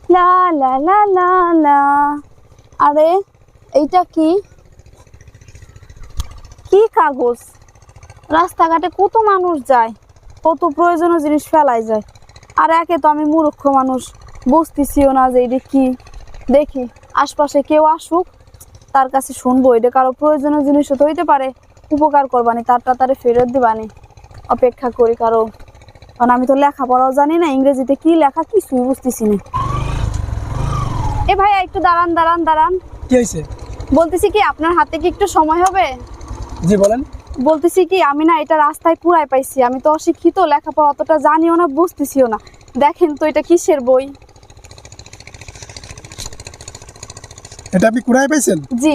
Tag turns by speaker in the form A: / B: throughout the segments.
A: লা লা লা লা লা। আরে এইটা কি কি কাগজ? রাস্তাঘাটে কত মানুষ যায়, কত প্রয়োজনীয় জিনিস ফেলাই যায়, আর একে তো আমি মূর্খ মানুষ, বুঝতেছিও না যে এটা কি। দেখি আশপাশে কেউ আসুক, তার কাছে শুনবো এটা কারো প্রয়োজনীয় জিনিসও তো হইতে পারে, উপকার করবানি, তারে ফেরত দিবানি। অপেক্ষা করি কারো, কারণ আমি তো লেখাপড়াও জানি না, ইংরেজিতে কি লেখা কিছুই বুঝতেছি না। এ ভাইয়া একটু দাঁড়ান দাঁড়ান দাঁড়ান।
B: কি হয়েছে?
A: বলতেছি কি আপনার হাতে কি একটু সময় হবে?
B: জি বলেন।
A: বলতেছি কি আমি না এটা রাস্তায় কুড়াই পাইছি, আমি তো অশিক্ষিত, লেখাপড়া অতটা জানিও না, বুঝতেছিও না। দেখেন তো এটা কিসের বই?
B: এটা আপনি কুড়াই পাইছেন?
A: জি।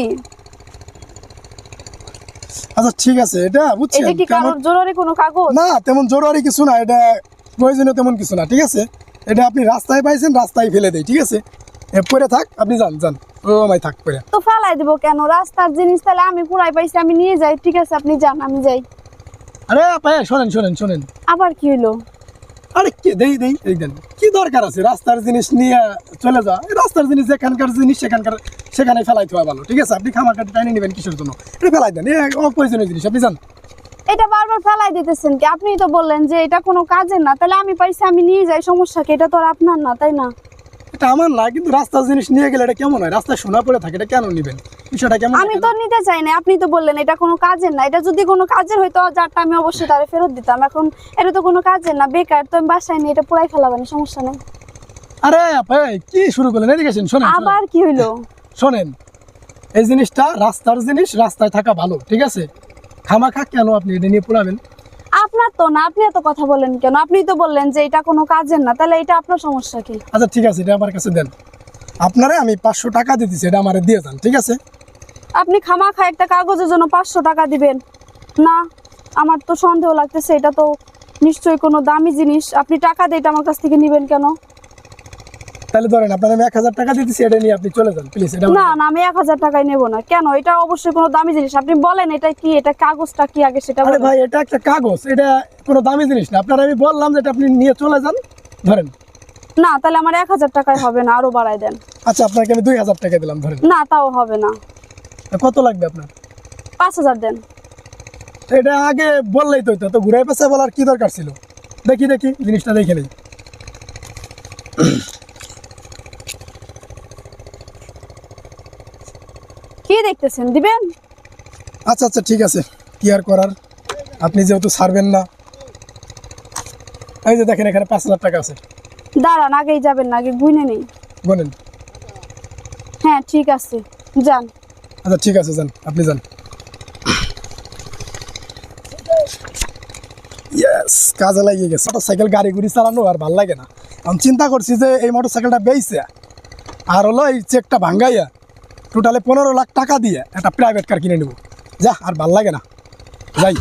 B: আচ্ছা ঠিক আছে, এটা বুঝছেন
A: এটা কি কারোর জরুরি কোনো কাগজ?
B: না, তেমন জরুরি কিছু না, এটা প্রয়োজনীয় তেমন কিছু না, ঠিক আছে। এটা আপনি রাস্তায় পাইছেন, রাস্তায় ফেলে দেয়, ঠিক আছে। পরে থাক, আপনি যান যান, ও আমায় থাক পরে।
A: তো ফেলাই দিব কেন? রাস্তার জিনিস, তাহলে আমি কুড়াই পাইছি, আমি নিয়ে যাই। ঠিক আছে আপনি যান, আমি যাই।
B: আরে ভাই শোনেন শোনেন শোনেন।
A: আবার কি হইলো?
B: আরে কি দেই দেই এই দেন, কি দরকার আছে রাস্তার জিনিস নিয়ে চলে যা? এই রাস্তার জিনিস যেখানকার জিনিস সেখানে ফেলাই দেওয়া ভালো, ঠিক আছে। আপনি খামারটা টাইনে নেবেন কিসের জন্য? এটা ফেলাই দেন, অপ্রয়োজনীয় জিনিস, আপনি যান।
A: এটা বারবার ফেলাই দিতেছেন কি? আপনিই তো বললেন যে এটা কোনো কাজের না, তাহলে আমি পাইছি, আমি নিয়ে যাই, সমস্যা কি? এটা তো আর আপনার না, তাই না?
B: এটা আমার না, কিন্তু রাস্তার জিনিস নিয়ে গেলে এটা কেমন হয়? রাস্তায় শোনা পড়ে থাকে, এটা কেন নেবেন? বিষয়টা কেমন?
A: আমি তো নিতে চাই না, আপনি তো বললেন এটা কোনো কাজের না। এটা যদি কোনো কাজের হইতো যারটা আমি অবশ্যই তারে ফেরত দিতাম। এখন এটা তো কোনো কাজের না, বেকার, তো আমি বাসায় নিয়ে এটা পুরাই ফেলাবানি, সমস্যা নেই।
B: আরে ভাই কি শুরু করলেন? এদিকে আসেন, শোনেন
A: আবার কি হইলো?
B: শোনেন, এই জিনিসটা রাস্তার জিনিস, রাস্তায় থাকা ভালো, ঠিক আছে। খামাখা কেন আপনি এটা নিয়ে পড়াবেন?
A: আপনার তো না, আপনি এত কথা বলেন কেন? আপনি তো বললেন যে এটা কোনো কাজের না, তাহলে এটা আপনার সমস্যা কি?
B: আচ্ছা ঠিক আছে, এটা আমার কাছে দেন। আপনারে আমি 500 টাকা দিতেছি, এটা আমারে দিয়ে যান, ঠিক আছে।
A: আপনি খামাখা একটা কাগজের জন্য 500 টাকা দিবেন? না, আমার তো সন্দেহ লাগতেছে, এটা তো নিশ্চয়ই কোনো দামি জিনিস। আপনি টাকা দিয়ে এটা আমার কাছ থেকে নিবেন কেন?
B: তাহলে ধরেন আপনার আমি 1000 টাকা দিতেছি, এটা নিয়ে আপনি চলে যান প্লিজ। এটা
A: না না, আমি 1000 টাকায় নেবো না। কেন? এটা অবশ্যই কোনো দামি জিনিস। আপনি বলেন এটা কি, এটা কাগজটা কি আগে সেটা
B: আরে
A: বলেন।
B: ভাই এটা একটা কাগজ, এটা কোনো দামি জিনিস না। আপনার আমি বললাম যে এটা আপনি নিয়ে চলে যান, ধরেন।
A: না, তাহলে আমার 1000 টাকায় হবে না, আরো বাড়াই দেন।
B: আচ্ছা আপনাকে আমি 2000 টাকা দিলাম, ধরেন।
A: না, তাও হবে না।
B: কত লাগবে আপনার?
A: 5000 দেন।
B: এটা আগে বললেই তো হতো, তো ঘুরাই পেছে বলার কি দরকার ছিল? দেখি দেখি জিনিসটা দেখে নেই।
A: কি দেখতেছেন? দিবেন?
B: আচ্ছা আচ্ছা ঠিক আছে, কি আর করার, আপনি যেহেতু ছাড়বেন না। এই যে দেখেন, এখানে 5000 টাকা আছে।
A: দাঁড়ান, আগেই যাবেন না, আগে গুনে নেই।
B: বলেন।
A: হ্যাঁ ঠিক আছে, যান।
B: আচ্ছা ঠিক আছে, যান, আপনি যান। ইয়েস, কাজে লাগিয়ে গেছে। মোটরসাইকেল গাড়ি গুড়ি চালানো আর ভাল লাগে না। আমি চিন্তা করছি যে এই মোটরসাইকেলটা বেচে আর হলো এই চেকটা ভাঙ্গাইয়া টোটালে 15 লাখ টাকা দিয়ে একটা প্রাইভেট কার কিনে নেব। যা, আর ভাল লাগে না, যাই।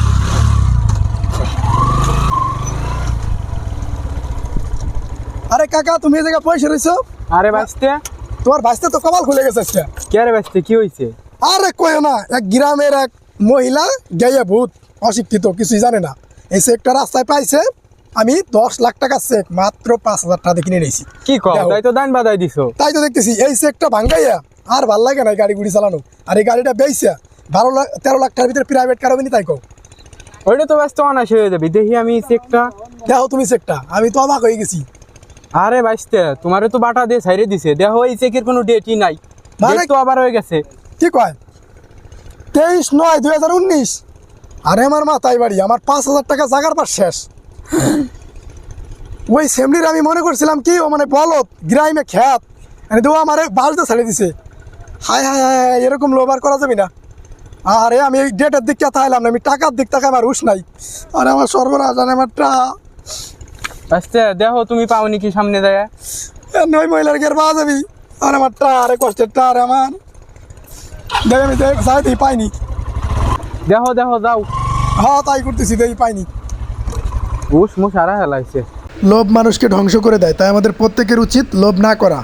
B: আরে কাকা, তুমি এই জায়গায় পয়সা রয়েছো?
C: আরে বাঁচতে
B: তোমার ভাইস্তে তো কপাল খুলে গেছে আজকে।
C: কে? আরে বাঁচতে কি হয়েছে?
B: আরে কইও না, এক গ্রামের এক মহিলা গাইয়া ভূত, অশিক্ষিত, কিছুই জানে না, এই চেকটা রাস্তায় পাইছে। আমি 10 লাখ টাকা চেক মাত্র 5000 টাকা দিয়ে কিনে নিয়েছি।
C: কি কও?
B: দেখো।
C: তাই তো দান বাদাই দিছো।
B: তাই তো দেখতেছি, এই চেকটা ভাঙ্গাইয়া আর ভাল লাগে না এই গাড়ি গুড়ি চালানো। আর এই গাড়িটা বেচছে 13 লাখ টাকার ভিতরে প্রাইভেট কার হবে নি, তাই কও।
C: ওইটা তো ব্যস্ত অনাশ হয়ে যাবে। দেখি আমি চেকটা।
B: দেখো তুমি চেকটা, আমি তো অবাক হয়ে গেছি।
C: আরে বাঁচতে, তোমারে তো বাটা দিয়ে ছাইরে দিছে। দেখো এই চেকের কোনো ডেটই নাই,
B: মানে?
C: ডেট তো আবার হয়ে গেছে।
B: কি কয়? 23/9/2019। আরে আমার মাথায় বাড়ি, আমার 5000 টাকা জাগার পর শেষ। ওই সেমনির আমি মনে করছিলাম কি ও মানে বলত গ্রামে খ্যাত, দেবো আমার বাসটা ছেড়ে দিছে। হায় হায় হায় হায়, এরকম লোভার করা যাবে না। আরে আমি এই ডেটের দিকটা তাইলাম না, আমি টাকার দিক থেকে আমার হুশ নাই। আরে আমার সর্বনাশ, আরে আমার
C: বাঁচতে দেখো তুমি পাওনি কি সামনে দেয়।
B: নয় মহিলার গের পাওয়া যাবি। আর আমার আরে কষ্টের আরে আমার দেখ, আমি যাই পাইনি।
C: দেখো দেখো যাও।
B: হ্যাঁ তাই করতেছি, দেখি পাইনি।
C: উস মুস হারা হেলাইছে।
B: লোভ মানুষকে ধ্বংস করে দেয়, তাই আমাদের প্রত্যেকের উচিত লোভ না করা।